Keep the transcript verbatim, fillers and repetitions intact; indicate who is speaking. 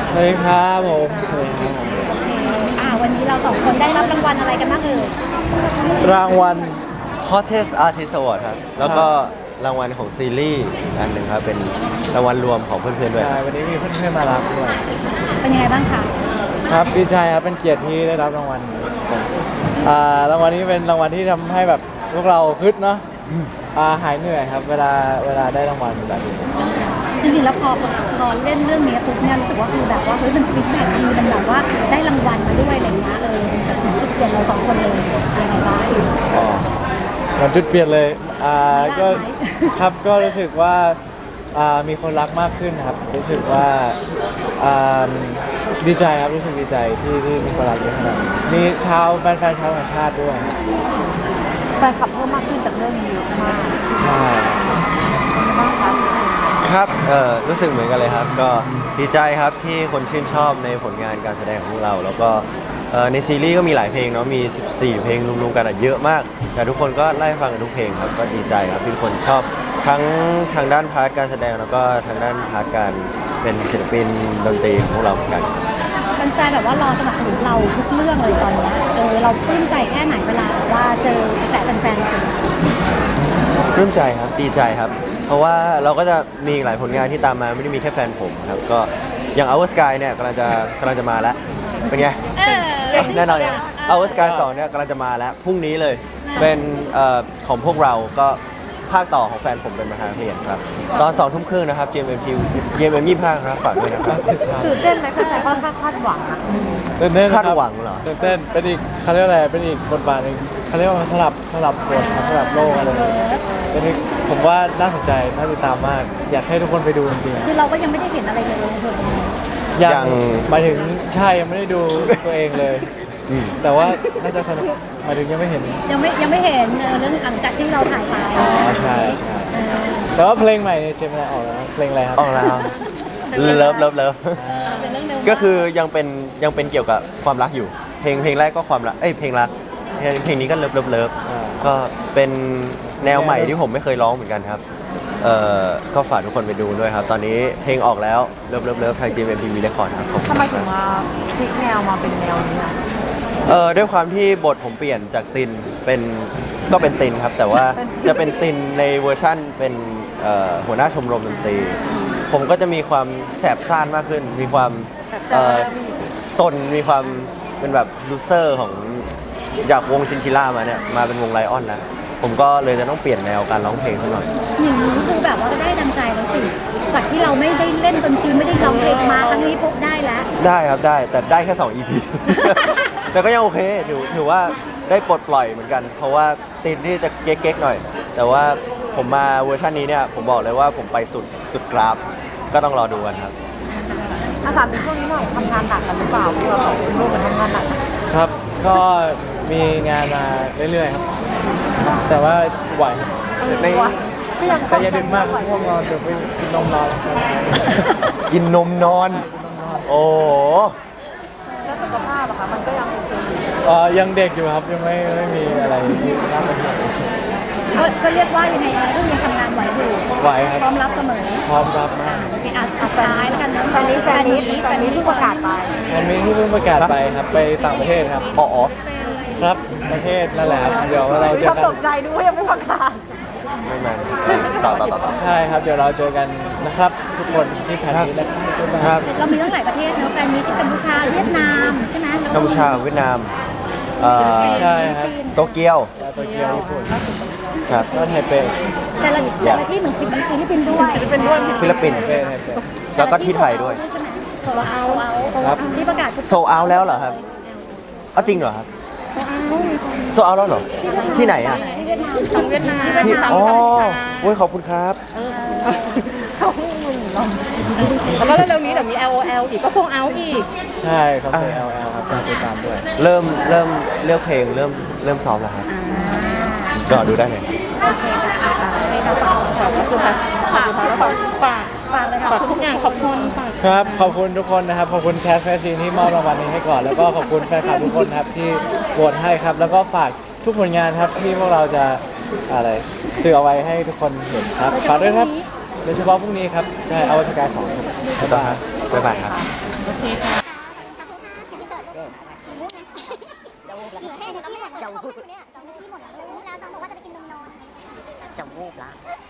Speaker 1: สวัสดีครับผมสวัสดีครับผม
Speaker 2: อ่าวันนี้เราสองคนได้รับรางวัลอะไรกันบ้างเอ่ย
Speaker 1: รางวัล
Speaker 3: Hottest Artist Award ครับแล้วก็รางวัลของซีรีส์อีกอันหนึ่งครับเป็นรางวัลรวมของเพื่อนๆด้วยค
Speaker 1: ใช่
Speaker 3: รับ
Speaker 1: วันนี้มีเพื่อนๆมารับด้วย
Speaker 2: เป็นยังไงบ้างคะ
Speaker 1: ครับดีใจครับเป็นเกียรติที่ได้รับรางวัลนี้อ่ารางวัลนี้เป็นรางวัลที่ทำให้แบบพวกเราฮึดเนาะอ่าหายเหนื่อยครับเวลาเวลาได้รางวัลแบบนี้
Speaker 2: จริงๆแล้วพอพอเล่นเรื่องนี้ปุ๊บเนี่ยรู้สึกว่าคือแบบว่าเฮ้ยมันฟีดแบ็กดีมันแบบว่าได้รางวัลมาด้วยอะไรเงี้ยเออมันแบบถึงจุดเปลี่ยนเราสองคนเลยยังไงบ้าง
Speaker 1: อ๋อมันจุดเปลี่ยนเลยอ่าก็
Speaker 2: ยากไหม
Speaker 1: ครับก็รู้สึกว่าอ่ามีคนรักมากขึ้นครับรู้สึกว่าอ่าดีใจครับรู้สึกดีใจที่ที่มีคนรักเยอะขนาดนี้มีชาวแฟนๆชาวต่างชาติด้วยครับ
Speaker 2: แฟนคลับเพิ่มมากขึ้นจากเรื่องนี้เยอะมาก
Speaker 1: ใช่
Speaker 2: มากครับ
Speaker 3: ครับเออรู้สึกเหมือนกันเลยครับ ก็ดีใจครับที่คนชื่นชอบในผลงานการแสดงของพวกเรา แล้วก็เอ่อในซีรีส์ก็มีหลายเพลงเนาะมีสิบสี่เพลงรวมๆกันอะเยอะมาก แต่ทุกคนก็ไล่ฟังกันทุกเพลงครับก็ดีใจครับที่ทุกคนชอบทั้งทางด้านพาร์ทการแสดงแล้วก็ทางด้านพาร์ทการเป็นศิลปินดนตรีของพวกเราเหมือนกัน
Speaker 2: แฟนๆแบบว่ารอสนับสนุนเราทุกเรื่องเลยตอนเนี้ยเออเราปลื้มใจแค่ไหนเวลาแบบว่าเจอกระแสแฟนๆ
Speaker 3: ปลื้มใจครับดีใจครับ เพราะว่าเราก็จะมีอีกหลายผลงานที่ตามมาไม่ได้มีแค่แฟนผมครับก็อย่าง Our Sky เนี่ยกำลังจะกำลังจะมาแล้วเป็นไง
Speaker 2: เออ
Speaker 3: แน่นอนอย่าง Our Sky สองเนี่ยกำลังจะมาแล้วพรุ่งนี้เลยเป็นเอ่อของพวกเราก็ภาคต่อของแฟนผมเป็นประธานเพลงครับตอนสองทุ่มครึ่งนะครับ จี เอ็ม เอ็ม ที จี เอ็ม เอ็ม ยี่สิบห้าครับฝากด้วยนะครับ
Speaker 2: ตื่นเต้นไหมแฟนๆค่อนข้างคาดหวังอะ
Speaker 1: ตื่นเต้นครับ
Speaker 3: คาดหวังเหรอ
Speaker 1: ตื่นเต้นเป็นอีกเขาเรียกอะไรเป็นอีกบทบาทหนึงเขาเรียกว่าสลับสลับบทครับสลับโลกอะไร
Speaker 2: เออ
Speaker 1: เป็นอีกผมว่าน่าสนใจน่าติดตามมาก อยากให้ทุกคนไปดูจริง
Speaker 2: คือเราก็ยังไม่ได้เห็นอะไรเลยในส่วนตรงนี้
Speaker 1: ๆยัง
Speaker 3: ยัง
Speaker 1: หมายถึงใช่ยังไม่ได้ดูตัวเองเลย
Speaker 3: อืม
Speaker 1: แต่ว่าน่าจะสนุกหมายถึงยังไม่เห็น
Speaker 2: ยังไม่ยังไม่เห็นเออเรื่องหลังจากที่เราถ่ายไป
Speaker 1: อ๋อใช่ใช่
Speaker 2: เออ
Speaker 1: แต่ว่าเพลงใหม่เนี่ยเจมินายออกแล้วนะเพลงอะไรครับ
Speaker 3: ออกแล้วเลิฟเลิฟเลิฟ
Speaker 2: เออเป็นเรื่องเดิม
Speaker 3: ก็คือยังเป็นยังเป็นเกี่ยวกับความรักอยู่ เพลงเพลงแรกก็ความรักเอ้ยเพลงรักเพลงเพลงนี้ก็เลิฟเลิฟเลิฟ
Speaker 1: อ่า
Speaker 3: ก็เป็นแนวใหม่ที่ผมไม่เคยร้องเหมือนกันครับเอ่อก็ฝากทุกคนไปดูด้วยครับ ตอนนี้เพลงออกแล้วเลิฟเลิฟเลิฟทาง จี เอ็ม ที วี Record ครับขอบคุณ
Speaker 4: ทำไมถึ
Speaker 3: มาง ก
Speaker 4: มาพลิกแนวมาเป็นแนวนี้อ่ะ
Speaker 3: เออด้วยความที่บทผมเปลี่ยนจากตินเป็นก็เป็นตินครับ แต่ว่าจะเป็นตินในเวอร์ชั่นเป็นเอ่อหัวหน้าชมรมดนตรี ผมก็จะมีความแสบซ่านมากขึ้น มีความเอ่อซนมีความเป็นแบบลูเซอร์ของจากวงชินชิล่ามาเนี่ยมาเป็นวงไลออนแล้วผมก็เลยจะต้องเปลี่ยนแนวการร้องเพลงสักหน่อย
Speaker 2: อย่างนี้คือแบบว่าก็ได้ดังใจแล้วสิจากที่เราไม่ได้เล่นดนตรีไม่ได้ร้องเพลงมาครั้งนี้พบได้แล้ว
Speaker 3: ได้ครับได้แต่ได้แค่ สอง อี พี แต่ก็ยังโอเคถือถือว่าได้ปลดปล่อยเหมือนกัน เพราะว่าตินที่จะเก๊กๆหน่อย แต่ว่าผมมาเวอร์ชันนี้เนี่ยผมบอกเลยว่าผมไปสุดสุดกราฟ ก็ต้องรอดูกันครับ
Speaker 4: อาสามในช่วงนี้หน่อยทำงานหนักกันหรือเปล่าพวกเราสองคนร่วมกันทำงานหนัก
Speaker 1: ครับ ก็มีงานมาเรื่อยๆครับ แต่ว่าไหว
Speaker 3: ใน
Speaker 4: ก็ยัง
Speaker 1: แต่อย่าดึกมากง่วงนอนเดี๋ยวไปกินนมนอน
Speaker 3: กินนมนอน โอ้โห
Speaker 4: แล้วสุขภาพอะคะมันก็ยังโอเคอยู่
Speaker 1: เอ่อยังเด็กอยู่ครับยังไม่ไม่มีอะไรที่น่าเป็นห่วง
Speaker 2: ก็ก็เรียกว่ายังไงอะไรก็ยังทำงานไหวอยู่
Speaker 1: ไหวครับ
Speaker 2: พร้อมรับเสมอ
Speaker 1: พร้อมรับมาก
Speaker 2: โอเคอ่ะสุดท้ายแล้วกันนะ
Speaker 4: แฟนนี้แฟนนี้แฟนนี้เพิ่งประกาศไป
Speaker 1: วันนี้ที่เพิ่งประกาศไปครับไปต่างประเทศครับ
Speaker 3: อ๋ออ๋อ
Speaker 1: ครับประเทศนั่นแหละครับเดี๋ยวเราเจ
Speaker 4: มี
Speaker 1: อ
Speaker 4: ความ
Speaker 1: กัน
Speaker 4: ตกใจดูว่ายังไม่ประกาศ
Speaker 3: ไม่แมนต่อต่อต่อต่อ
Speaker 1: ใช่ครับเดี๋ยวเราเจอกันนะครับทุกคนที่แผ่นนี้นะครับ
Speaker 3: ครับ
Speaker 2: เรามีตั้งหลายประเทศเนอะแฟนมีที่กัมพูชาเวียดนามใช่ไหมแล้ว
Speaker 3: กัมพูชาเวียดนามเอ่อ
Speaker 1: ใช่ครับ
Speaker 3: โตเกียว
Speaker 1: แล้วโตเกียวญี่ปุ่น
Speaker 3: ครับ
Speaker 1: แล้วไทเป
Speaker 2: แต่ละแต่ละที่เหมือนฟิลิปปินส์ด้วยฟิลิปปินส์ด้วย
Speaker 3: ฟิลิปปินส์
Speaker 1: ไทเปไทเป
Speaker 3: แล้วก็ที่ไทยด้วย
Speaker 2: ใช่ไหมโซลเอาเอา
Speaker 1: ครับ
Speaker 2: ที่ประกาศ
Speaker 3: โซเอาแล้วเหรอครับเอาจริงเหรอครับโซเอาแล้วเหรอ ที่ไหนอ่ะ
Speaker 2: ที่เวียดนามที่เวียดนาม
Speaker 3: ที่อ๋อโอ้ยขอบคุณครับ
Speaker 4: แล้วก็เร็วๆนี้เดี๋ยวมี แอล โอ แอล อีกก็คงเอาอีก
Speaker 1: ใช่เขาเคย แอล แอล ครับการติดตามด้วย
Speaker 3: เริ่มเริ่มเลือกเพลงเริ่มเริ่มซ้อมแล้วครับรอดูได้เลย
Speaker 2: โอเคค่ะอ่ะให้เราฝาก
Speaker 4: ขอบคุณค่ะฝากฝากฝาก
Speaker 2: ฝากเลยค่ะ
Speaker 4: ฝากทุกอย่างขอบคุณฝาก
Speaker 1: ครับขอบคุณทุกคนนะครับขอบคุณแคสแฟชีนที่มอบรางวัลนี้ให้ก่อน แล้วก็ขอบคุณแฟนคลับทุกคนครับที่โหวตให้ครับ แล้วก็ฝากทุกผลงานครับที่พวกเราจะอะไรเสือเอาไว้ให้ทุกคนเห็นครับฝากด้วยครับโดยเฉพาะพรุ่งนี้ครับใช่เอาวัตการสองครับบ๊ายบาย
Speaker 3: บ๊ายบายครับ
Speaker 2: โอเคเคค่ะ
Speaker 5: จะวูบแล้วเหลือแค่นี้หมดจะวูบเนี่ยสองนาทีหมดแล้วแล้วตอนบอกว่าจะไปกินนมนอนจะวูบละ